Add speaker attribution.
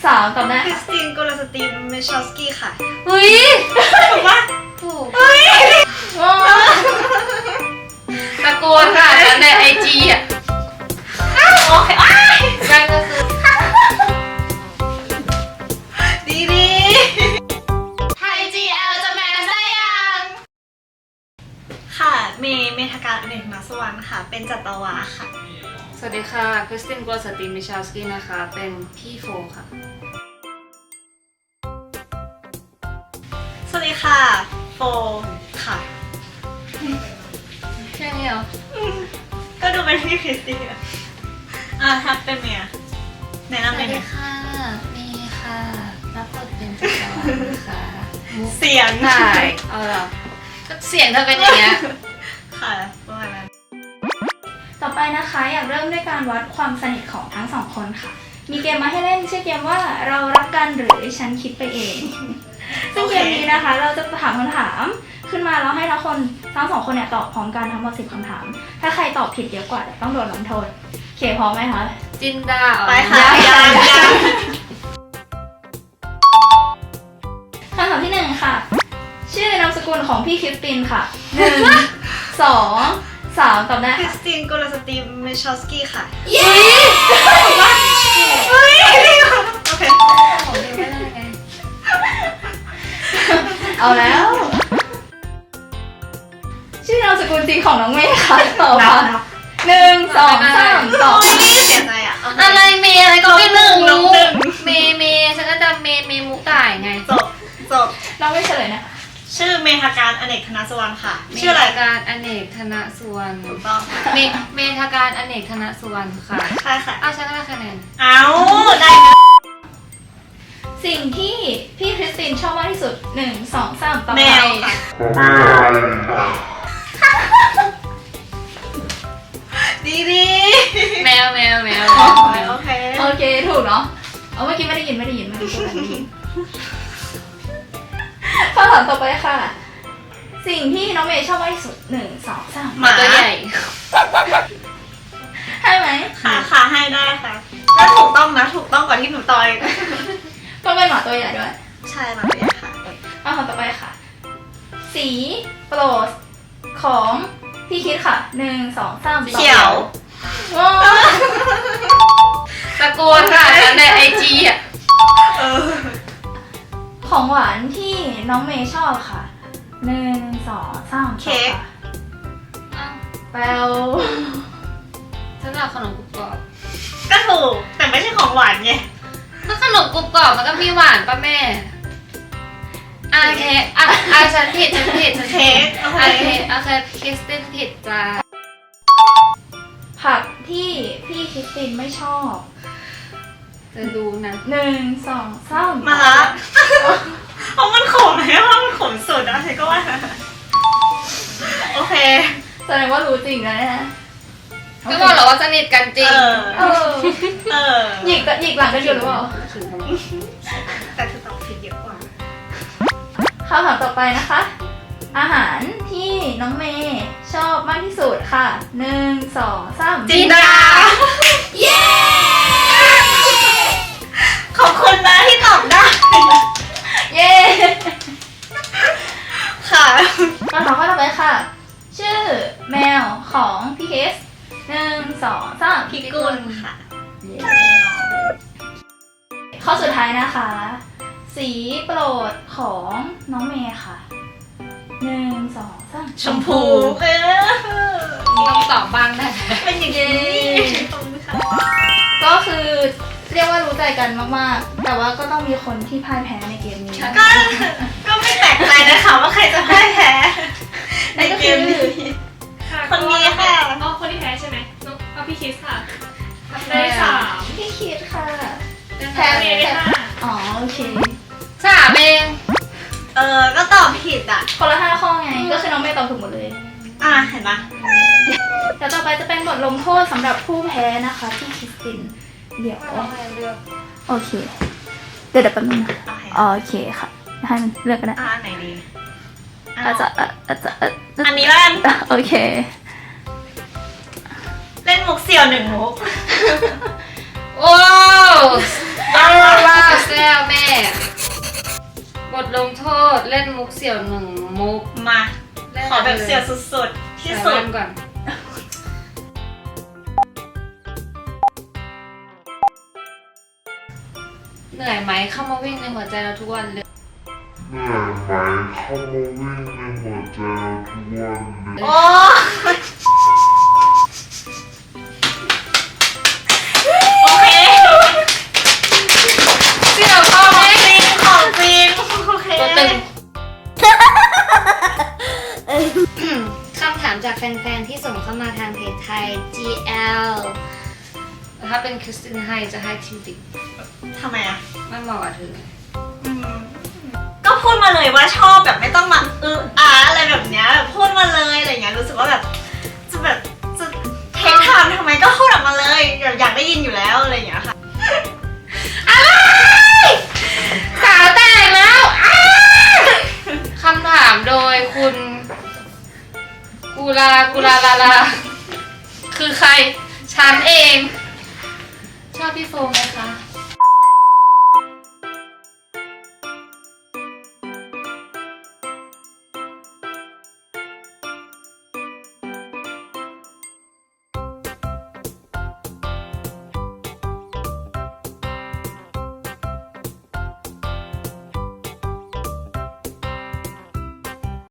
Speaker 1: ตอบได้
Speaker 2: คริสตินโกลสตีมเมชอลสกี้ค่ะ
Speaker 1: อุ้ย
Speaker 2: ถูกปะ
Speaker 1: ถูก
Speaker 2: เฮ้ย
Speaker 1: ตะโกนค่ะในไอจีอ่ะ
Speaker 2: โอเคอ้าย
Speaker 1: นั่นก็คือ
Speaker 2: ดีดี
Speaker 1: ไทย GL จะแมสได้ยัง
Speaker 2: ค่ะเมธการอเนกนาสวรรค์ค่ะ เป็นจัตวาค่ะ
Speaker 1: สวัสดีค่ะคริสตินโกลสตีมิชาลสกี้นะคะเป็นพี่โฟค่ะ
Speaker 2: สวัสดีค่ะโฟค่ะ
Speaker 1: แค่นี้เหรอ
Speaker 2: ก็ดูเป็นพี่คริสตินถ้าเป็นเมียแนะ
Speaker 1: ส
Speaker 2: นำ
Speaker 1: วั
Speaker 2: เป็
Speaker 1: ส
Speaker 2: น
Speaker 1: ดีค่ะเมย์ค่ะรับบทเป็นจักรวาลค่ะมุก
Speaker 2: เสียง
Speaker 1: ถ่ายเอาเหรอก็เสียงเธอเป็นอย่างเงี้ย
Speaker 2: ค่ะประมาณนั้น
Speaker 3: ต่อไปนะคะอยากเริ่มด้วยการวัดความสนิทของทั้งสองคนค่ะ มีเกมมาให้เล่นชื่อเกมว่าเรารักกันหรือฉันคิดไปเอง ซึ่งเกมนี้นะคะเราจะถามคำถามขึ้นมาแล้วให้ทั้งสองคนเนี่ยตอบพร้อมกันทั้งหมด10คำถาม ถ้าใครตอบผิดเยอะกว่าต้องโดนลงโทษโอเคพร้อมไหมคะ
Speaker 1: จินดา
Speaker 2: ไปค่ะยัง
Speaker 3: คำถามที่1ค่ะ ชื่อนามสกุลของพี่คริสตินค่ะ1 2 3ตอบได้
Speaker 2: คริ
Speaker 3: ค่ะ
Speaker 2: สตินโกลสตีมเมชอลสกี้ค่ะ
Speaker 3: เย้
Speaker 2: เฮ้ยโอเค
Speaker 1: ของเดียวไม่ได้ไง
Speaker 3: เอาแล้ว ชื่อนามสกุลจริงของน้องเมย์ค่ะตอบค่ะ1 2 3ตอบ
Speaker 2: เสียใจอ่ะ
Speaker 1: อะไรเมย์อะไรก็ไม่รู้
Speaker 2: น้องหนึ่ง
Speaker 1: เมย์ฉันก็จะเมย์มุต่ายไง
Speaker 2: จบ
Speaker 3: น้องไม่เฉลยนะคะ
Speaker 2: ชื่อเมธการอเนกธนสวรรค์ค่ะ ชื่ออะไร
Speaker 1: เมธการอเนกธนสุวรรณ
Speaker 2: ถูกต้องค่ะ
Speaker 1: เมธการอเนกธนสุวรรณค่ะ
Speaker 2: ใช่ค่ะ
Speaker 1: อ้าวฉันก็ได้คะแนน
Speaker 2: เอาได้ไหม
Speaker 3: สิ่งที่พี่คริสตินชอบมากที่สุด1 2 3ตอบ
Speaker 2: แม
Speaker 3: ค่ะ
Speaker 2: วค่ะดีดี
Speaker 1: แมว
Speaker 2: โอเค
Speaker 3: โอเคถูกเนาะเอาเมื่อกี้ไม่ได้ยินไม่ได้ยินคำถามต่อไปค่ะ สิ่งที่น้องเมย์ชอบมากที่สุด1 2 3
Speaker 2: หมา
Speaker 1: ตัวใหญ่
Speaker 3: ให้ไหม
Speaker 2: ค่ะให้ได้ค่ะแล้วถูกต้องนะถูกต้องกว่าที่หนูต่อย
Speaker 3: ต้องเป็นหมาตัวใหญ่ด้วย
Speaker 2: ใช่มาเลยค่ะ
Speaker 3: คำถามต่อไปค่ะ สีโปรดของพี่คิดค่ะ1 2 3
Speaker 2: เขียว
Speaker 3: ว้าว
Speaker 1: ตะโกนค่ะในไอจีอ่ะ
Speaker 2: เออ
Speaker 3: ของหวานที่น้องเมย์ชอบค่ะ1 2 3
Speaker 2: เค้ก
Speaker 3: แปลว
Speaker 1: ฉันเอาขนมกรุบกรอบ
Speaker 2: ก็ถูกแต่ไม่ใช่ของหวานไง
Speaker 1: ถ้าขนมกรุบกรอบมันก็มีหวานป่ะแม่เค้กฉันผิด
Speaker 2: เค้กโอเค
Speaker 1: คริสตินผิดจ้า
Speaker 3: ผักที่พี่คริสตินไม่ชอบ
Speaker 1: จะรู้นะ
Speaker 3: 1 2 3
Speaker 2: มาละเพราะมันขมไหมว่ามันขมสุดนะใช่ก็ว่าโอเค
Speaker 3: แสดงว่ารู้จริงนะเนี่ย
Speaker 1: ก็บอกแล้วว่าสนิทกันจริง
Speaker 3: เออ
Speaker 2: เออ
Speaker 3: หยิกหลังกันอยู่หรือเปล่า
Speaker 2: แต่เธอตอบผิดเยอะกว่า
Speaker 3: คำถามต่อไปนะคะ อาหารที่น้องเมย์ชอบมากที่สุดค่ะ1 2 3
Speaker 2: จีดา
Speaker 3: เย้
Speaker 2: ขอบคุณนะที่ตอบได้
Speaker 3: เย้
Speaker 2: ค่ะ
Speaker 3: คำถามข้อต่อไปค่ะ ชื่อแมวของพี่เคส1 2 3
Speaker 2: พี่กุลค่ะ
Speaker 3: ข้อสุดท้ายนะคะ สีโปรดของน้องเมย์ค่ะ1 2 3
Speaker 2: ชมพูเออ
Speaker 1: ต้องตอบบ้างได้ไหม
Speaker 2: เป็นอย่างนี้ขอบคุณค่ะ
Speaker 3: ก็คือเรียกว่ารู้ใจกันมากๆ แต่ว่าก็ต้องมีคนที่พ่ายแพ้ในเกมนี้
Speaker 2: ก็ไม่แปลกใจนะคะว่าใครจะพ่ายแพ้ใน
Speaker 3: นั่นก็
Speaker 2: เก
Speaker 3: คือ
Speaker 2: มนี้ คนนี้ค่ะ
Speaker 4: อ๋อคนที่แพ้ใช่ไหมน้องเอาพี่คิสค่ะ
Speaker 1: ได้
Speaker 4: ได้สาม
Speaker 3: พี่คิดค่ะ
Speaker 1: แพ้
Speaker 4: เมย์ได้ห้า
Speaker 3: อ๋อโอเค
Speaker 1: 3 เอง
Speaker 2: ก็ตอบผิดอ่ะ
Speaker 3: คนละ5 ข้อไง ก็คือน้องเมย์ตอบถูกหมดเลย
Speaker 2: เห็นปะ
Speaker 3: เดี๋ยวต่อไปจะเป็นบทลงโทษสำหรับผู้แพ้นะคะพี่คริสติน เดี๋ยว โอเค เดี๋ยวแป๊บนึงนะโอเคค่ะ ให้มันเลือกกันนะ
Speaker 2: อันไหนดี
Speaker 3: อาจจะ
Speaker 2: อันนี้แล้วกัน
Speaker 3: โอเค
Speaker 2: เล่นมุกเสี่ยว1 มุก
Speaker 1: โอ้ว้าวแล้วแม่ บทลงโทษเล่นมุกเสี่ยวหนึ่งมุก
Speaker 2: มา
Speaker 1: ล่น
Speaker 2: ขอแบบเสียวสุดๆที่สุ
Speaker 1: ใส่
Speaker 2: ด
Speaker 1: แว่นก่อน เหนื่อยไหมเข้ามาวิ่งในหัวใจเราทุกวันเลย
Speaker 5: เหนื่อยไหมเข้ามาวิ่งในหัวใจเราทุกวันเลย
Speaker 2: โอ้โอเค
Speaker 1: เสี่ยวเข้าไหม
Speaker 2: ของจริงโอเค
Speaker 1: ตัวตึง คำถามจากแฟนๆ ที่ส่งเข้ามาทางเพจไทย GL ถ้าเป็นคริสตินไฮจะให้ทิมติก
Speaker 2: ทำไมอ่ะ
Speaker 1: ไม่เหมาะกับเธอ
Speaker 2: ก็พูดมาเลยว่าชอบแบบไม่ต้องมาอะไรแบบเนี้ยแบบพูดมาเลยอะไรเงี้ยรู้สึกว่าแบบจะเทคไทม์ทำไมก็พูดออกมาเลยอยากได้ยินอยู่แล้วอะไรอย่างเงี้ยค่ะ
Speaker 1: สาวแตกแล้วคำถามโดยคุณกูลาลา คือใคร ฉันเอง ชอบพี่โฟมไหมคะ